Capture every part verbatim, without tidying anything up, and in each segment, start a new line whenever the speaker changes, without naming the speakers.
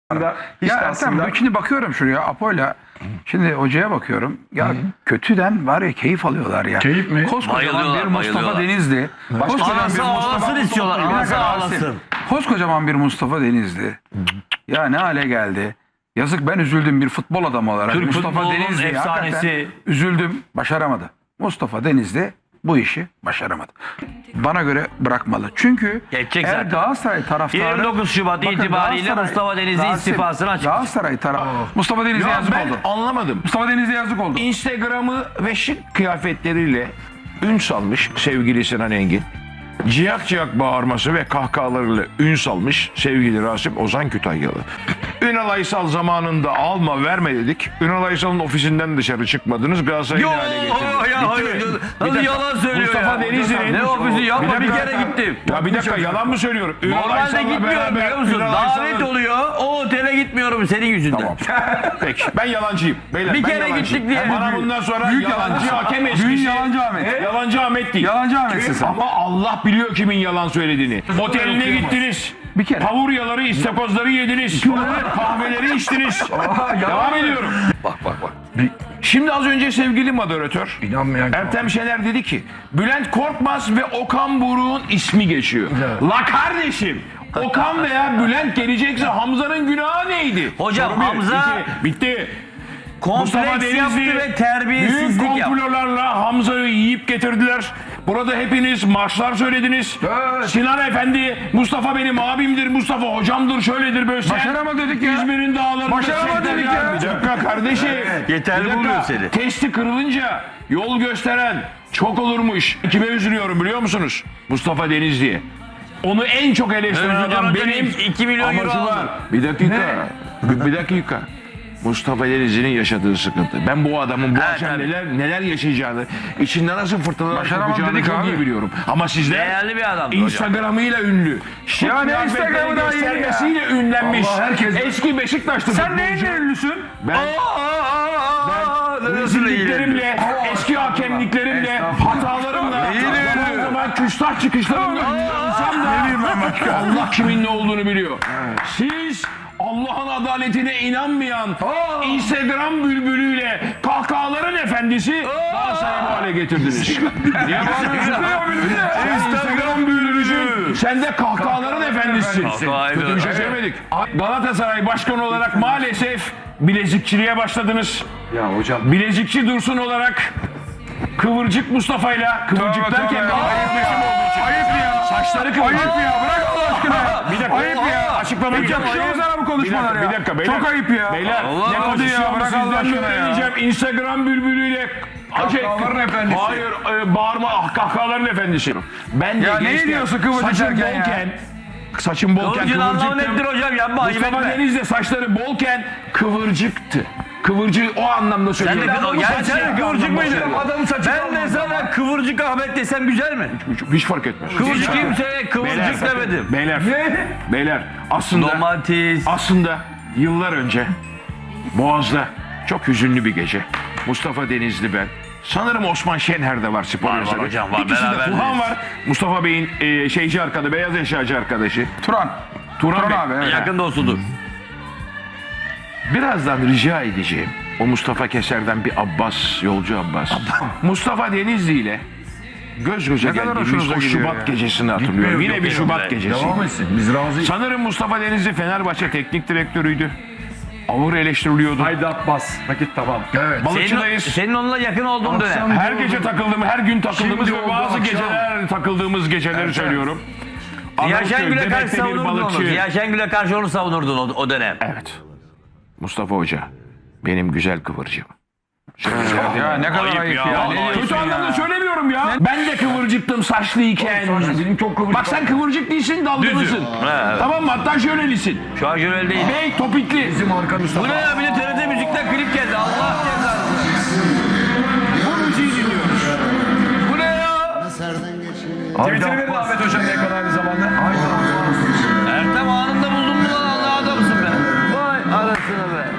Hiç
Ya
aslında...
Ertem, şimdi bakıyorum şuraya Apo'yla. Şimdi hocaya bakıyorum. Ya Hı. kötüden var ya keyif alıyorlar ya.
Keyif mi?
Koskocaman bir Mustafa Denizli.
Koskocaman bir ağlasın istiyorlar. Anası ağlasın.
Koskocaman bir Mustafa Denizli. Ya ne hale geldi. Yazık, ben üzüldüm bir futbol adamı olarak.
Türk
Mustafa Denizli
efsanesi.
Üzüldüm. Başaramadı. Mustafa Denizli bu işi başaramadı. Bana göre bırakmalı. Çünkü
Geçecek
eğer
zaten.
Galatasaray taraftarı...
yirmi dokuz Şubat
Bakın,
itibariyle
Galatasaray-
Mustafa Denizli
Galatasaray-
istifasını açıklayacak.
Galatasaray tarafı. Mustafa Denizli
Ya
yazık
ben
oldu.
anlamadım.
Mustafa Denizli yazık oldu.
Instagram'ı ve şık kıyafetleriyle ün salmış sevgili Sinan Engin. Ciyak ciyak bağırması ve kahkahalarıyla ün salmış sevgili Rasim Ozan Kütahyalı. Ünal Aysal zamanında alma verme dedik. Ünal Aysal'ın ofisinden dışarı çıkmadınız. Galatasaray'ı
Yo
ne hale getirdiniz.
ya hayır. Nasıl yalan söylüyor
Mustafa
ya?
Denizli'nin...
Ne ofisi yapma, bir kere gittim.
Ya bir dakika, yalan mı söylüyorum? Ünal
Normalde
Aysal'la
gitmiyorum
beraber
biliyor musun?
Ünal
Davet
Aysal'ın-
oluyor. O otele gitmiyorum senin yüzünden.
Tamam. Peki, ben yalancıyım. Beyler,
Bir
ben
kere
yalancıyım.
gittik diye.
Bana bundan sonra
Büyük
yalancı
yalancı.
hakem
Büyük
eskisi.
yalancı Ahmet.
Yalancı Ahmet değil.
Yalancı Ahmet'sin sen.
Ama Allah biliyor kimin yalan söylediğini. Oteline gittiniz.
Bir kere.
Pavuryaları, istakozları yediniz. Kahveleri içtiniz. Devam ediyorum. Bak bak bak. Şimdi az önce sevgili moderatör
İnanmayan
Ertem Şener dedi ki Bülent Korkmaz ve Okan Buruk'un ismi geçiyor. La kardeşim, Okan veya Bülent gelecekse Hamza'nın günahı neydi?
Hocam,
Soru bir,
Hamza-
iki, bitti. Mustafa
Kompleks yaptı
Denizli
ve
büyük
terbiyesizlik yaptı.
komplolarla Hamza'yı yiyip getirdiler. Burada hepiniz marşlar söylediniz.
Evet.
Sinan Efendi, Mustafa benim abimdir, Mustafa hocamdır, şöyledir böyle. Sen
Başarama dedik ya.
İzmir'in dağlarında.
Başarama
sekter
dedik ya.
Bir dakika kardeşim.
Yeterli
Bir dakika.
buluyor seni.
Testi kırılınca yol gösteren çok olurmuş. Kime üzülüyorum biliyor musunuz? Mustafa Denizli'ye. Onu en çok eleştiren
Özgür
adam
Hoca'nın
benim.
iki milyon
Ama
euro
şu var.
aldı.
Bir dakika. Bir, bir dakika. Mustafa Denizli'nin yaşadığı sıkıntı. Ben bu adamın bu
Evet,
akşam
tabii.
neler neler yaşayacağını, içinde nasıl fırtınalar
Başaramam
kopacağını
dedik
çok
abi.
iyi biliyorum. Ama sizler
Değerli bir adamdı hocam.
Instagram'ıyla ünlü. Şık
Ya ne
kıyafetleri
Instagram'ı daha iyi ya?
göstermesiyle ünlenmiş.
Allah, herkes-
Eski Beşiktaşlı
Sen
futbolcu.
neyin ünlüsün?
Ben rezilliklerimle, eski hakemliklerimle, hatalarımla, zaman zaman küstah çıkışlarımla ünlensem de Allah kimin ne olduğunu biliyor. Siz Allah'ın adaletine inanmayan Instagram bülbülüyle kahkahaların efendisi Galatasaray'ı bu hale getirdiniz. Niye bağırıyorsun? Instagram bülbülüsün. Sen de kahkahaların efendisisin.
Kahkahayı
Kötü bir şey söylemedik. Galatasaray başkanı olarak maalesef bilezikçiliğe başladınız.
Ya hocam.
Bilezikçi Dursun olarak Kıvırcık Mustafa'yla, Kıvırcık
Tövbe,
derken
tövbe.
bir ayıplaşım olduğu için.
Ayıp ya.
Saçları kıvırcık.
Ayıp ya. Bırak Allah aşkına.
Bir dakika.
Ayıp ya.
Açıklama
Hiç
yapacağım.
yakışıyor mu sana bu
Bir
konuşmalar
dakika,
ya?
bir dakika beyler.
Çok ayıp ya.
Beyler,
Allah
ne
Allah
konuşuyor
ya,
mu
bırak
sizden
Allah
mi
aşkına ya.
öğreneceğim? Instagram bülbülüyle şey,
Kahkahaların efendisi.
Hayır, e, bağırma, ah, kahkahaların efendisi. Ben de
Ya ne
gençken
diyorsun kıvırcık
saçım
derken ya?
bolken, saçım bolken
Kıvırcığın anlamı
kıvırcıktım.
nedir hocam? Yapma, ayıp
Mustafa
etme.
Deniz'de saçları bolken kıvırcıktı. Kıvırcığı o anlamda
Sen
söylüyorum.
de
Adamın
yani
saçı
sen
bir
kıvırcık
anlamda
mıydın?
söylüyorum.
Adamın saçı ben de sana kıvırcık Ahmet desem güzel mi?
Hiç, hiç fark etmez.
Kıvırcık kimseye kıvırcık
Beyler,
demedim.
Beyler, beyler aslında
Domates.
aslında yıllar önce Boğaz'da çok hüzünlü bir gece. Mustafa Denizli ben. Sanırım Osman Şenher de var spor
Var, var
yazarı.
hocam, var.
İkisi de
Beraberdeyiz.
Tuhan var. Mustafa Bey'in e, şeyci arkadaşı, beyaz eşyacı arkadaşı.
Turan.
Turan,
Turan
Bey.
abi. Evet.
Yakın dostudur.
Birazdan rica edeceğim. O Mustafa Keser'den bir Abbas, yolcu Abbas. Mustafa Denizli ile göz göze
Ne kadar
geldiğimiz
hoşunuza
o
gidiyor
Şubat
ya.
gecesini hatırlıyorum. Yine
yok,
bir
yok,
Şubat
yok.
gecesi.
Devam etsin. Biz razıyız.
Sanırım Mustafa Denizli Fenerbahçe teknik direktörüydü. Ağır eleştiriliyordu.
Haydi Abbas. Vakit tamam. Evet.
Balıkçıdayız.
Senin, senin onunla yakın olduğun dönem.
Her gece takıldığım, her gün takıldığımız
Şimdi
ve
oldu
bazı
akşam.
geceler takıldığımız geceleri söylüyorum.
Ziya
Arnavutköy,
Şengül'e karşı
Bebek'te bir
savunurdun onu.
balıkçı.
Ziya Şengül'e karşı onu savunurdun o, o dönem.
Evet. Mustafa Hoca, benim güzel kıvırcığım.
Ya ne kadar
Ayıp
ayıp
ya,
ya.
vallahi
Ne
ayıp.
diyorsun
Kötü
ya?
anlamda söylemiyorum ya. Ben de kıvırcıktım saçlıyken.
Benim çok kıvırcık.
Bak sen kıvırcık değilsin, dalgalısın.
Evet.
Tamam mı? Hatta şöylelisin.
Şu an şöyle değil.
Bey topikli.
Bizim arkamızda.
Bu ne ya? Bir de T R T Müzik'ten klip geldi. Allah cezanı.
Bu müziği dinliyoruz.
Bu ne ya?
Twitter'ı verin Ahmet Hocam ne kadar aynı zamanda.
Ertem anında buldun mu lan? Allah adamsın be. Vay anasını be.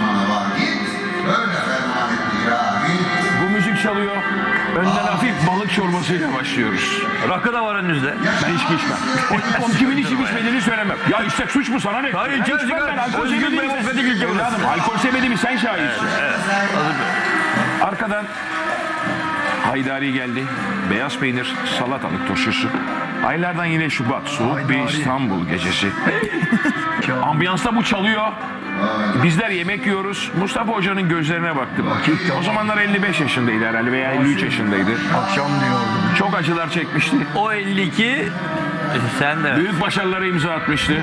Bu müzik çalıyor. Önden hafif balık balık çorbasıyla başlıyoruz.
Rakı da var önünüzde.
Ben içki içmem. O, o kimin içip içmediğini söylemem. Ya içsek suç mu sana ne?
Hayır,
Ben
içer,
içmem
içer.
ben. Alkol
Özgür
sevmediğimi
demokratik ülke burası.
Evladım, alkol sevmediğimi sen şahitsin. Arkadan Haydari geldi. Beyaz peynir, salatalık turşusu. Aylardan yine Şubat. Soğuk bir İstanbul gecesi. Ambiyansta bu çalıyor. Bizler yemek yiyoruz. Mustafa Hoca'nın gözlerine baktım. O zamanlar elli beş yaşındaydı herhalde veya elli üç yaşındaydı.
Akşam diyordum.
Çok acılar çekmişti.
O elli iki sen de.
Büyük başarılara imza atmıştı.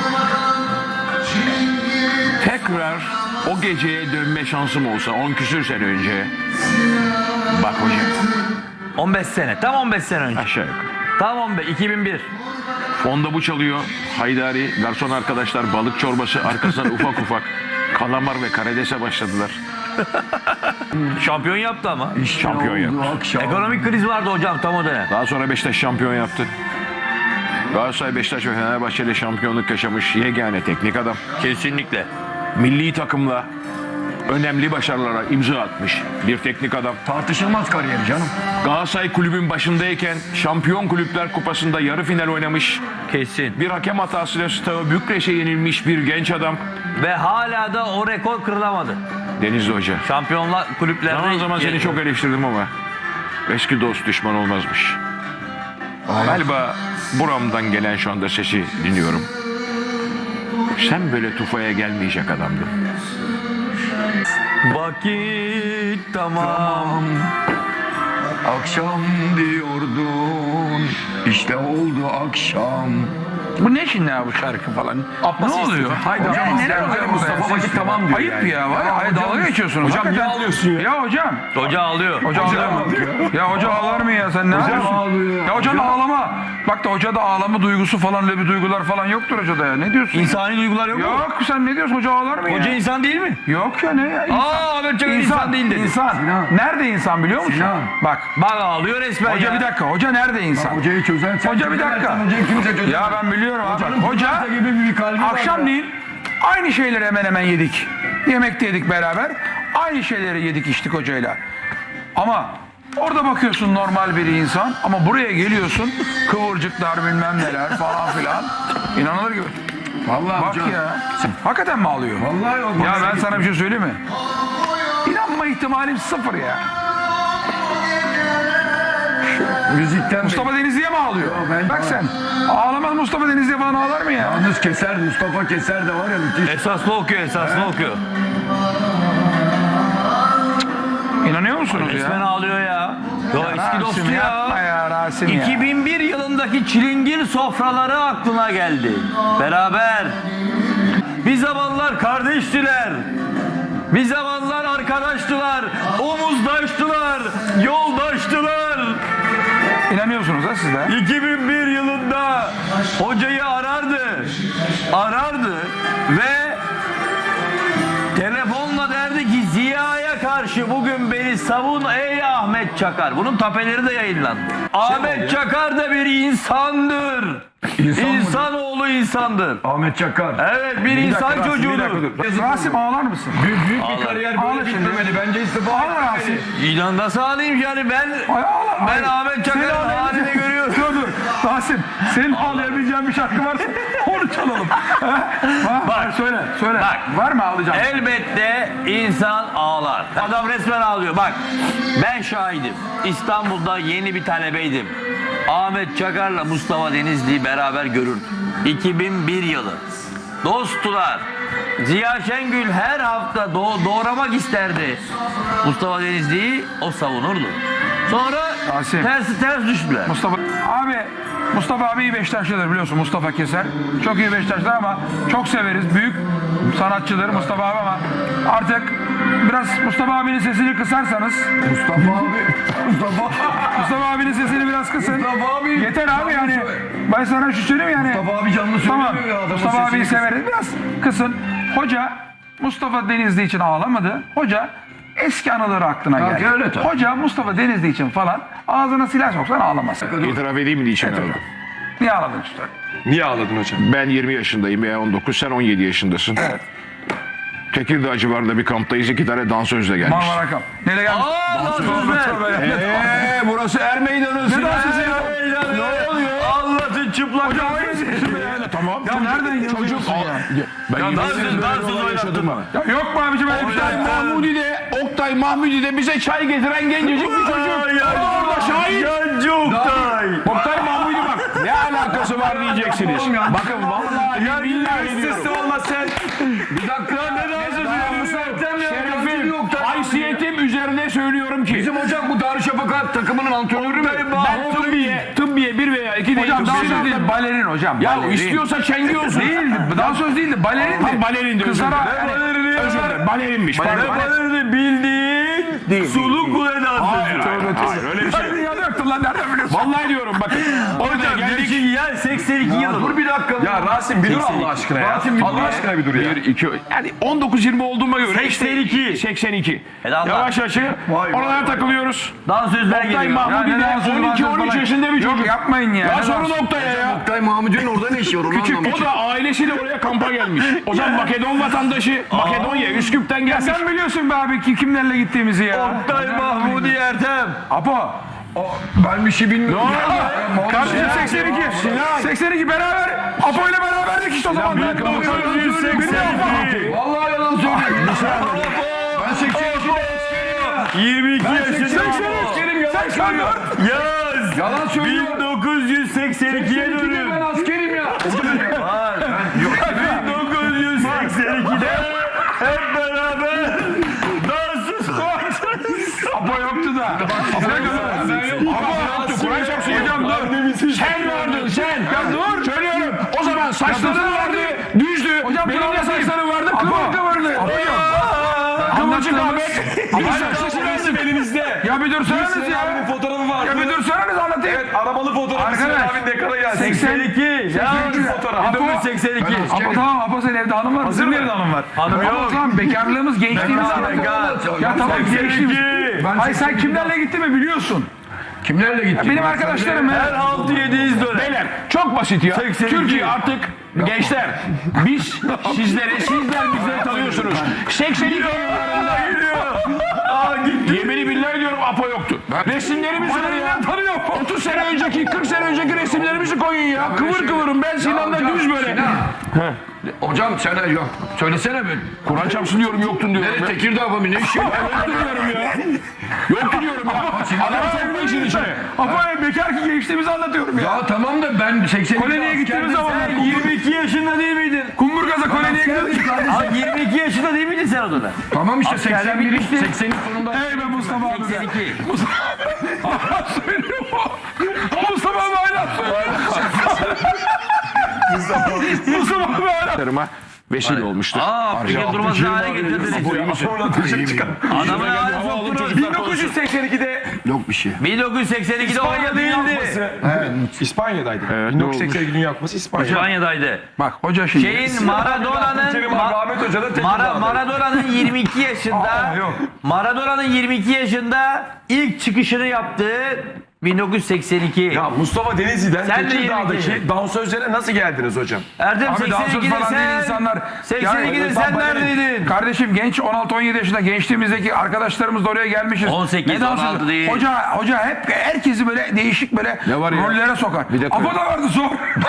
Tekrar o geceye dönme şansım olsa on küsür sene önce. Bak hocam
on beş sene. Tam on beş sene önce.
aşağı yukarı.
Tam on beş. iki bin bir.
Fonda bu çalıyor. Haydari, garson arkadaşlar balık çorbası arkasından ufak ufak kalamar ve karidese başladılar.
Şampiyon yaptı ama.
Şampiyon yaptı.
Akşam.
Ekonomik kriz vardı hocam tam o dönem.
Daha sonra Beşiktaş şampiyon yaptı. Galatasaray, Beşiktaş ve Fenerbahçe ile şampiyonluk yaşamış yegane teknik adam.
Kesinlikle.
Milli takımla önemli başarılara imza atmış bir teknik adam.
Tartışılmaz kariyeri canım.
Galatasaray kulübün başındayken Şampiyon Kulüpler Kupası'nda yarı final oynamış.
Kesin.
Bir hakem hatasıyla Steaua Bükreş'e yenilmiş bir genç adam.
Ve hala da o rekor kırılamadı.
Denizli Hoca.
Şampiyonlar kulüplerde...
Zaman zaman seni çok eleştirdim ama eski dost düşman olmazmış. Galiba buramdan gelen şu anda sesi dinliyorum. Sen böyle tufaya gelmeyecek adamdın.
Vakit tamam.
Akşam diyordun. İşte oldu akşam.
Bu ne şimdi ya bu şarkı falan? ne oluyor?
Haydi
Hocam,
hocam,
neler
Mustafa,
oluyor
Mustafa
burada?
vakit tamam diyor.
Ayıp
yani.
ya var ya. Hayır, dalga geçiyorsunuz.
Hocam niye
Hakikaten.
ağlıyorsun ya?
Ya hocam.
Hoca ağlıyor.
Hoca ağlıyor mu? Ya hoca ağlar mı ya sen ne yapıyorsun?
ağlıyor.
Ya hocanın ağlama. Bak da hocada ağlama duygusu falan öyle bir duygular falan yoktur hocada ya. Ne diyorsun?
İnsani duygular yok mu?
Yok sen ne diyorsun? Hoca ağlar mı ya?
Hoca insan değil mi?
Yok ya ne ya? İnsan.
Aa Ahmet Çakar insan, değil dedi.
İnsan.
Sinan.
Nerede insan biliyor musun?
Sinan.
Bak.
Bak ağlıyor resmen
Hoca
ya.
bir dakika. Hoca nerede insan?
Hocayı çözen sen.
Hoca bir dakika.
Hocayı kimse çözemez.
Ya ben biliyorum abi.
Hocanın
Hoca
Hoca gibi bir kalbi var ya.
akşamleyin aynı şeyleri hemen hemen yedik. Yemek de yedik beraber. Aynı şeyleri yedik içtik hocayla. Ama orada bakıyorsun normal bir insan ama buraya geliyorsun kıvırcıklar bilmem neler falan filan. İnanılır gibi.
Vallahi
Bak
hocam.
ya. Hakikaten mi ağlıyor?
Vallahi yok.
Ya ben sana bir şey söyleyeyim mi? İnanma ihtimalim sıfır ya.
Müzikten
Mustafa Denizli'ye mi ağlıyor?
ben-
Bak sen. Ağlamaz Mustafa Denizli'ye falan ağlar mı ya?
Yalnız Keser, Mustafa Keser de var ya müthiş.
Esaslı okuyor esaslı okuyor.
İnanıyor musunuz
Resmen
ya?
ağlıyor ya. Yo eski
Rasim
dostu
yapma
ya.
ya Rasim ya.
iki bin bir yılındaki çilingir sofraları aklına geldi. Beraber. Bir zamanlar kardeştiler. Bir zamanlar arkadaştılar. Omuzdaştılar. Yoldaştılar.
İnanıyorsunuz ha siz de.
iki bin bir yılında hocayı arardı. Arardı ve telefonla derdi ki Ziya'ya karşı bugün beni savun ey Ahmet Çakar. Bunun tapeleri de yayınlandı. Ahmet Çakar da bir insandır.
İnsan mıdır?
İnsanoğlu insandır.
Ahmet Çakar.
Evet bir,
Bir
insan
dakika Rasim, bir
çocuğudur.
dakika dur. Rasim ağlar mısın?
Büyük, büyük bir kariyer
Ağla
böyle
şimdi.
bitmemeli. Bence istifa
Ağla
etmeli.
Rasim.
İlan nasıl alayım yani ben
Ay ağla.
ben
Ay.
Ahmet
Senin
Çakar'ın
ağlayabileceğin-
halini görüyorum.
Dur dur. Rasim senin ağlayabileceğin bir şarkı varsa onu çalalım. Ha? Ha?
Bak.
Söyle söyle.
Bak.
Var mı ağlayacağın?
Elbette insan ağlar. Adam resmen ağlıyor. Bak ben şahidim. İstanbul'da yeni bir talebeydim. Ahmet Çakar'la Mustafa Denizli'yi beraber görürdüm. iki bin bir yılı. Dosttular. Ziya Şengül her hafta doğ- doğramak isterdi. Mustafa Denizli'yi o savunurdu. Sonra
Rasim.
ters ters düştüler.
Mustafa abi Mustafa abi iyi Beşiktaşlıdır biliyorsun Mustafa Keser. Çok iyi Beşiktaşlı ama çok severiz. Büyük sanatçıdır Mustafa abi ama artık biraz Mustafa abinin sesini kısarsanız
Mustafa abi. Mustafa.
Mustafa abinin sesini biraz kısın.
Mustafa abi.
Yeter abi yani. Ben sana şu söyleyeyim yani.
Mustafa abi canlı
Tamam.
söylemiyor ya. Adamın
Mustafa
sesini
abiyi
kısın.
severiz. Biraz kısın. Hoca Mustafa Denizli için ağlamadı. Hoca eski anıları aklına
Ya,
geldi.
öyle tabii.
Hoca Mustafa Denizli için falan ağzına silah soksan ağlamaz.
İtiraf edeyim mi niçin ağladım?
Niye ağladın işte?
Niye ağladın hocam?
Ben yirmi yaşındayım veya on dokuz, sen on yedi yaşındasın. Tekirdağ civarında bir kamptayız. İki tane dansözle gelmiş.
Marmara Kamp. Nereye gelmiş?
Aa, dansözler.
Eee burası Er Meydanı.
Ne dansözü ya?
Ne oluyor? Anlatın çıplak.
Hocam aynısı ya.
Tamam.
Ya nereden yazıyorsun
Çocuk
ya?
Ben
Ya
yemin
dansöz,
ederim böyle
dansöz
bir olay yaşadım ha.
Ya yok mu abicim öyle bir şey?
Oktay Mahmudi'de, Oktay Mahmudi'de bize çay getiren gencecik bir çocuk. Orada şahit.
Yancı Oktay.
Oktay Mahmudi bak. Ne alakası var diyeceksiniz. Bakın vallahi
Ya
billahi diyorum.
sesli olmasın.
Bir dakika ne dansözü? Şerefim, haysiyetim üzerine söylüyorum ki. Bizim hocam bu Darüşşafaka takımının antrenörü mü? Ben tıbbiye, tıbbiye bir veya iki değil.
Hocam
tıbbiye
dansöz değil,
değil.
balerin hocam.
Ya
balerin.
istiyorsa çengi olsun.
Değildi, dansöz değildi, balerin
Ha, balerin de özür
Kızlara
dilerim.
hani-
Özür dilerim. Balerinmiş. Pardon.
Balerdi bildiğin sulu kule
Hayır,
dansözü.
hayır, hayır, öyle bir şey.
Sen dünyada yoktun lan nereden biliyorsun?
Vallahi diyorum bakın. Orada
Hocam
geldik.
gerçi ya seksen iki yılı. Dur bir dakika.
Ya Rasim bir dur Allah aşkına ya. Allah aşkına bir dur ya.
Bir, iki, yani on dokuz yirmi olduğuma göre.
seksen iki.
seksen iki.
Helal lan.
Yavaş yavaş. Oralara takılıyoruz.
Dansözler
Oktay
geliyor.
Mahmudi
Ya ne
de
dansözü,
on iki on
dansöz
üç
falan.
yaşında bir
Yok
çocuk.
yapmayın ya.
Ya
Ne
sorun
dansöz?
Oktay'a ya.
Oktay Mahmudi'nin orada ne işi var onu anlamadım.
O da ailesiyle oraya kampa gelmiş. O zaman Makedon vatandaşı. Makedonya, Üsküp'ten gelmiş.
Sen biliyorsun be abi ki kimlerle gittiğimizi ya.
Oktay Mahmudi Ertem.
Apo.
Ben bir şey bilmiyorum.
Kardeşim seksen iki. seksen iki beraber. Apo ile beraberdik işte o zaman.
bir dakika,
Ben-
bakın,
Ben-
yüz seksen iki.
Vallahi yalan söylüyorum. Ben seksen ikide
yirmi iki yaşında.
seksen üç. seksen dört.
Yaz.
yalan söylüyorum.
bin dokuz yüz seksen ikiye dönün.
Ben askerim ya.
bin dokuz yüz seksen ikide hep beraber dansöz
Apo yoktu da. Apo
Yoktu, Kur'an çarpsın hocam dur. Sen vardın sen. Ya dur. Söylüyorum. O zaman saçların vardı, düzdü.
Hocam
Benim de
dur,
saçlarım vardı,
Apo.
kıvır kıvırdı.
Apo yok.
Kıvırcık
Anlattığımız-
Ahmet. Bir saçlı lazım elimizde.
Ya bir dursanız
Hüseyin
ya.
abinin fotoğrafı vardı.
Ya bir dursanız anlatayım.
Evet arabalı fotoğrafı Hüseyin
Arkadaş,
abinin ekrana geldi.
seksen iki.
Ya
fotoğraf.
bin dokuz yüz seksen iki.
Apo tamam Apo senin evde hanım var.
Hazır
Bizim
mı?
evde hanım var.
Hanım
Apo
yok.
tamam bekarlığımız gençliğimiz
Bekar,
anlatıyor.
bekar.
Ya tamam gençliğimiz.
Ben
Hayır sen kimlerle gittin mi biliyorsun.
Kimlerle gittin?
Benim arkadaşlarım
Her
ya.
altı yedi yüz dönem.
Beyler çok basit ya.
seksen iki.
Türkiye artık gençler biz sizleri sizler bizleri tanıyorsunuz. seksen iki yıllarında
Aa gitti.
yemini billahi diyorum Apo yoktu. Resimlerimiz var ya.
Tanıyor.
otuz sene önceki kırk sene önceki resimlerimizi koyun ya. Kıvır kıvırım ben Sinan'la
hocam,
düz böyle.
Sinan. Hocam sen yok. Söylesene bir.
Kur'an çarpsın diyorum yoktun diyorum.
Nereye
ya.
Tekirdağ mı ne işi var?
Yoktu diyorum ya. Yoktu diyorum ya. Adama sokma işin içine.
Apo ya bekar ki gençliğimizi anlatıyorum ya.
Ya tamam da ben seksen iki
Koloniye gittiğimiz zaman.
Sen yirmi iki yaşında değil miydin?
Kumburgaz'a koloniye gidiyorduk.
Abi yirmi iki yaşında değil miydin sen o dönem?
Tamam işte
Askerden
seksen bir
bitmişti.
seksenin sonunda.
Hey be Mustafa abi.
seksen iki.
Hala söylüyor mu? O Mustafa abi hala söylüyor. Mustafa abi hala.
Tarıma vesile olmuştur.
Aa Afrika durmaz hale getirdiniz.
Sonra taşıp çıkan.
Adamın hali soktunuz.
bin dokuz yüz seksen ikide
Yok bir şey.
bin dokuz yüz seksen ikide
İspanya
oyna
Dünya
değildi.
Kupası. İspanya'daydı.
Evet,
bin
ne
dokuz yüz seksen iki Dünya Kupası İspanya.
İspanya'daydı.
Bak hoca şimdi.
Şeyin Maradona'nın
Kerim abi,
Ma-
Ahmet Hoca da Tekirdağ'da.
Mara, Maradona'nın yirmi iki yaşında
Aa, yok.
Maradona'nın yirmi iki yaşında ilk çıkışını yaptığı bin dokuz yüz seksen iki.
Ya Mustafa Denizli'den
Sen de
Tekirdağ'daki
yirmi iki.
dansözlere nasıl geldiniz hocam?
Erdem
Abi dansöz
seksen ikide
falan değil
sen
insanlar.
seksen ikide
Yani-
sen neredeydin?
Kardeşim genç on altı on yedi yaşında gençliğimizdeki arkadaşlarımız da oraya gelmişiz.
on sekiz,
Ne dansözü?
on altı değil.
Hoca hoca hep herkesi böyle değişik böyle
var ya?
rollere sokar.
Bir dakika.
Apo da vardı sor.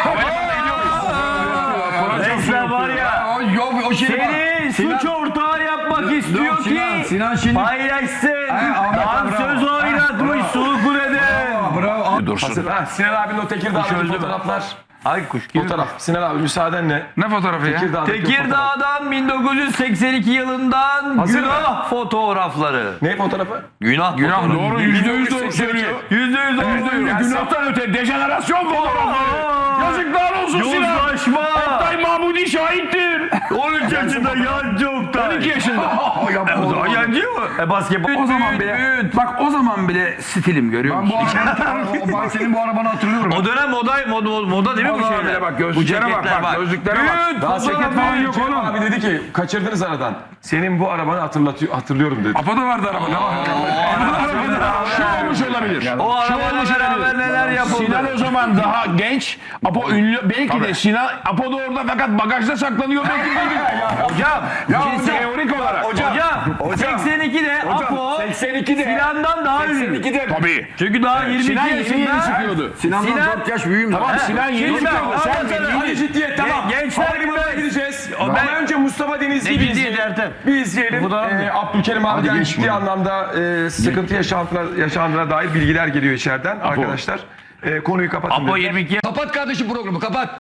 Resmen var ya.
Ya, o- yok o şey var.
Seni suç ortağı yapmak istiyor
Yok, Sinan,
ki
Sinan şimdi-
paylaşsın.
Ahmet,
Dansöz
bravo.
oynatmış Sulukule'de.
Bravo.
Dursun.
Ha, Sinan abinin o Tekirdağ'daki
öldü mü?
fotoğraflar.
Ay kuş gibi.
Fotoğraf. Sinan abi müsaadenle.
Ne fotoğrafı ya?
Tekirdağ'daki fotoğraf.
Tekirdağ'dan bin dokuz yüz seksen iki yılından
Hazır
günah fotoğrafları.
Ne fotoğrafı?
Günah,
Günah
fotoğrafı.
Doğru yüzde yüz doğru söylüyor.
Yüzde yüz doğru söylüyor.
Günahtan öte dejenerasyon fotoğrafları. Yazıklar olsun Sinan.
Yozlaşma.
Oktay Mahmudi şahittir.
on üç yaşında yancı Oktay.
on iki yaşında.
O zaman yancı mı? E basketbol.
O zaman bile bak o zaman bile stilim görüyor
Ben
musun?
bu arabanı, ben senin bu arabanı hatırlıyorum.
O dönem moda, moda, moda değil mi bu
Vallahi
şeyler?
bile bak, gözlüklere
Bu
bak,
ceketler
bak, gözlüklere bak.
Büyük
Daha
fotoğraf
ceket falan
büyük.
yok
Kerim
oğlum.
abi dedi ki kaçırdınız aradan. Senin bu arabanı hatırlatıyor, hatırlıyorum dedi.
Apo da vardı arabada.
Şu olmuş olabilir.
O arabayla beraber neler yapıldı?
Sinan o zaman daha genç. Apo ünlü. Belki de Sinan Apo da orada fakat bagajda saklanıyor. Belki de
Hocam, bir şey
teorik olarak.
Hocam, seksen ikide Apo
seksen ikide
Sinan'dan daha ünlü.
seksen ikide
Tabii.
Çünkü daha yirmi iki
Sinan yeni yeni
yaşında.
çıkıyordu.
Sinan'dan
Sinan-
dört yaş büyüğüm.
Tamam
He,
Sinan yeni
şimdi ben
çıkıyordu. Sen
anlatsana.
bildiğin-
Hadi ciddiyet tamam.
Gençler
Havalimanına
bilmez.
gideceğiz.
O ben-
Ama önce Mustafa Denizli'yi
Ne
bir
ciddiyet
izleyelim.
Ertem?
Bir izleyelim.
Bu da-
Ee, Abdülkerim abiden ciddi anlamda e, sıkıntı yaşandığına, yaşandığına dair bilgiler geliyor içeriden arkadaşlar. E, konuyu kapatın.
Apo
dediler.
yirmi iki
Kapat kardeşim programı kapat.